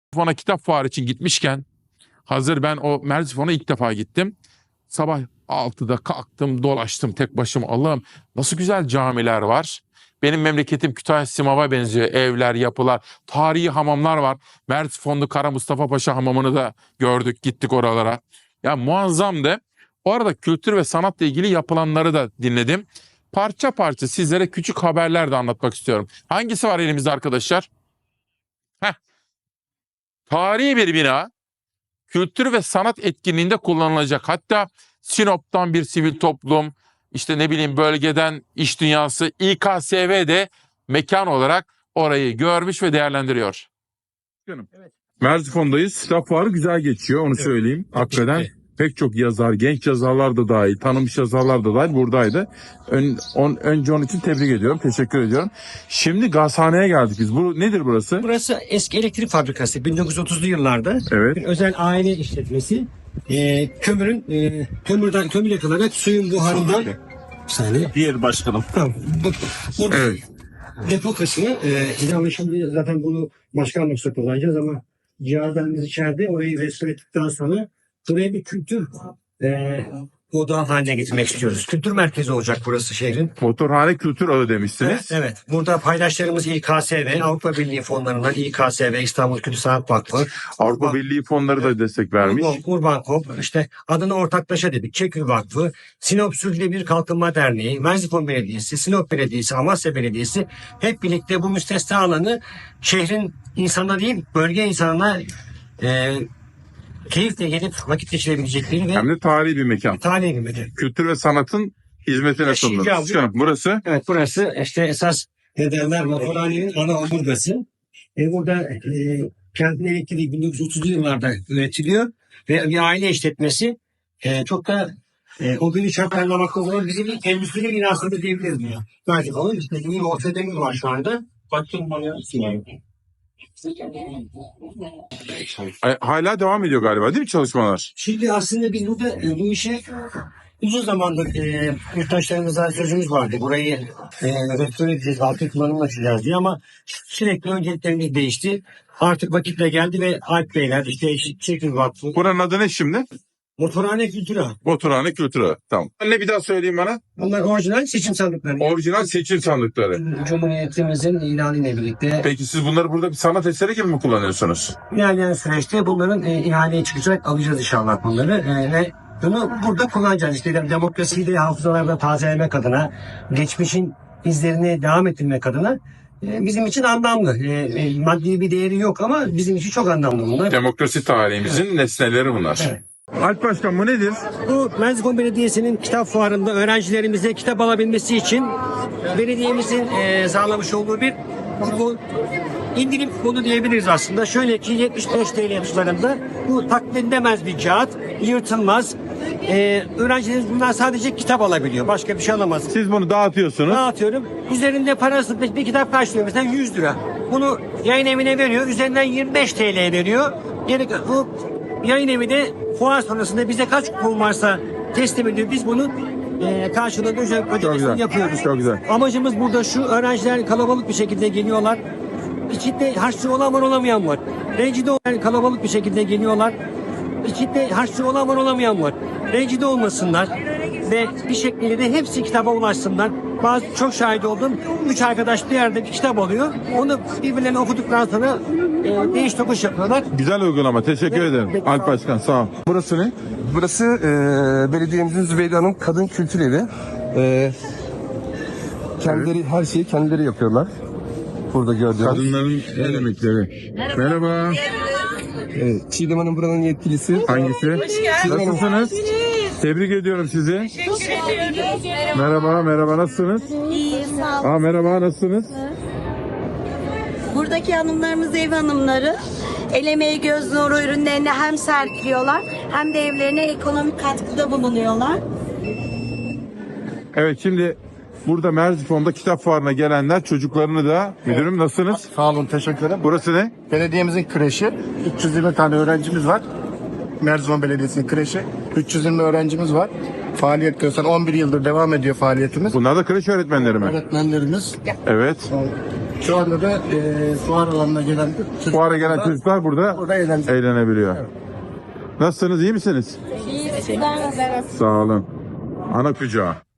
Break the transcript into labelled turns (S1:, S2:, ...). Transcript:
S1: Merzifon'a kitap fuarı için gitmişken hazır ben o Merzifon'a ilk defa gittim. Sabah 6'da kalktım, dolaştım tek başıma. Allah'ım nasıl güzel camiler var. Benim memleketim Kütahya Simav'a benziyor. Evler, yapılar, tarihi hamamlar var. Merzifonlu Kara Mustafa Paşa hamamını da gördük, gittik oralara. Ya muazzamdı. O arada kültür ve sanatla ilgili yapılanları da dinledim. Parça parça sizlere küçük haberler de anlatmak istiyorum. Hangisi var elimizde arkadaşlar? Heh. Tarihi bir bina. Kültür ve sanat etkinliğinde kullanılacak. Hatta Sinop'tan bir sivil toplum, işte ne bileyim bölgeden iş dünyası, İKSV de mekan olarak orayı görmüş ve değerlendiriyor.
S2: Evet. Merzifon'dayız. Kitap fuarı güzel geçiyor, onu söyleyeyim. Hakikaten pek çok yazar, genç yazarlar da dahil, tanınmış yazarlar da dahil buradaydı. Önce onun için tebrik ediyorum, teşekkür ediyorum. Şimdi gazhaneye geldik biz. Bu nedir burası?
S3: Burası eski elektrik fabrikası. 1930'lu yıllarda
S2: Evet.
S3: bir özel aile işletmesi. Kömür yakılarak suyun buharından bir saniye.
S4: Diğer başkanım.
S3: Tamam. Burada
S2: Evet.
S3: depo kısmı. Şimdi zaten bunu başka amaçla kullanacağız ama cihazlarımız içeride. Orayı restore ettikten sonra buraya bir kültür odağı haline getirmek istiyoruz. Kültür merkezi olacak burası şehrin.
S2: Motorhane Kültür Ağı demiştiniz.
S3: Evet. Burada paydaşlarımız İKSV, Avrupa Birliği fonlarından İKSV, İstanbul Kültür Sanat Vakfı,
S2: Avrupa Birliği fonları da destek vermiş.
S3: Urbankop, işte adını ortaklaşa dedik, Çekül Vakfı, Sinop Sürdürülebilir Kalkınma Derneği, Merzifon Belediyesi, Sinop Belediyesi, Amasya Belediyesi hep birlikte bu müstesna alanı şehrin insanına değil, bölge insanına keyifle gelip vakit geçirebilecekleri ve
S2: Hem de tarihi bir mekan.
S3: tarihi bir mekan.
S2: Kültür ve sanatın hizmetine sunulur. Başkanım, burası?
S3: Evet, burası işte esas ne derler motorhanenin ana omurgası. Burada kentin elektriği 1930'lu yıllarda üretiliyor ve bir aile işletmesi çok da o günü şartlarlamakta olan bizim ilk endüstri binasında diyebiliriz ya. Belki falan işte bir ortademiz var şu anda. Bakın bana
S2: Hala devam ediyor galiba değil mi çalışmalar?
S3: Şimdi aslında biz burada bu işe uzun zamandır yurttaşlarımıza sözümüz vardı. Burayı restore edeceğiz, altın kullanımla açacağız diye ama sürekli önceliklerimiz değişti. Artık vakitle geldi ve Alp Beyler, işte Çekil Vakfı,
S2: Buranın adı ne şimdi?
S3: Motorhane Kültürü.
S2: Motorhane Kültür Ağı. Tamam. Ne bir daha söyleyeyim bana?
S3: Bunlar orijinal seçim sandıkları.
S2: Orijinal seçim sandıkları.
S3: Cumhuriyetimizin ilanıyla birlikte
S2: Peki siz bunları burada bir sanat eseri gibi mi kullanıyorsunuz?
S3: ilerleyen süreçte bunların ihaleye çıkacak, alacağız inşallah bunları ve bunu burada kullanacağız. İşte demokrasiyi de hafızalarda tazelemek adına, geçmişin izlerini devam ettirmek adına bizim için anlamlı. Maddi bir değeri yok ama bizim için çok anlamlı bunlar.
S2: Demokrasi tarihimizin nesneleri bunlar.
S3: Evet.
S2: Alp Başkan, bu nedir?
S3: Bu Merzifon Belediyesi'nin kitap fuarında öğrencilerimize kitap alabilmesi için belediyemizin sağlamış olduğu bir indirim kuponu diyebiliriz aslında. Şöyle ki 75 TL tutarında bu taklit edilemez bir kağıt, yırtılmaz. Öğrencilerimiz bundan sadece kitap alabiliyor. Başka bir şey alamaz.
S2: Siz bunu dağıtıyorsunuz.
S3: Dağıtıyorum. Üzerinde parası bir kitap karşılıyor. Mesela 100 lira. Bunu yayın evine veriyor. Üzerinden 25 TL veriyor. Yani bu yayın evi de fuar sonrasında bize kaç kupon varsa teslim ediyor. Biz bunu karşılığında ödemesini yapıyoruz.
S2: Çok güzel.
S3: Amacımız burada şu: öğrenciler kalabalık bir şekilde geliyorlar. İçinde harçlı olan var, olamayan var. Rencide olan kalabalık bir şekilde geliyorlar. İçinde harçlı olan var, olamayan var. Rencide olmasınlar ve bir şekilde de hepsi kitaba ulaşsınlar. Bazı çok şahit oldum. 3 arkadaş bir yerde bir kitap alıyor. Onu birbirlerine okuduktan sonra değiş tokuş yapıyorlar.
S2: Güzel uygulama. Teşekkür ederim. Alp Başkan, sağ ol. Burası ne?
S5: Burası belediyemizin Zübeyde Hanım Kadın Kültür Evi. Kendileri her şeyi kendileri yapıyorlar. Burada gördüğünüz.
S2: Kadınların el emekleri. Merhaba.
S5: Çiğdem Hanım buranın yetkilisi.
S2: Hangisi? Nasılsınız? Tebrik ediyorum sizi. Merhaba, nasılsınız?
S6: İyi, sağ olun.
S2: Merhaba, nasılsınız?
S6: Buradaki hanımlarımız ev hanımları. El emeği göz nuru ürünlerini hem sergiliyorlar hem de evlerine ekonomik katkıda bulunuyorlar.
S2: Evet, şimdi burada Merzifon'da kitap fuarına gelenler çocuklarını da, müdürüm nasılsınız?
S7: Sağ olun, teşekkür ederim.
S2: Burası ne?
S7: Belediyemizin kreşi. 320 tane öğrencimiz var. Merzifon Belediyesi'nin kreşi. 320 öğrencimiz var. Faaliyet gösteren 11 yıldır devam ediyor faaliyetimiz.
S2: Bunlar da kreş öğretmenleri mi?
S7: Öğretmenlerimiz.
S2: Evet.
S7: Şu anda da fuar alanına gelen
S2: Fuara gelen çocuklar burada
S7: burada eğlence.
S2: eğlenebiliyor. Nasılsınız, iyi misiniz?
S6: İyi,
S2: Sağ olun. Ana kucağı.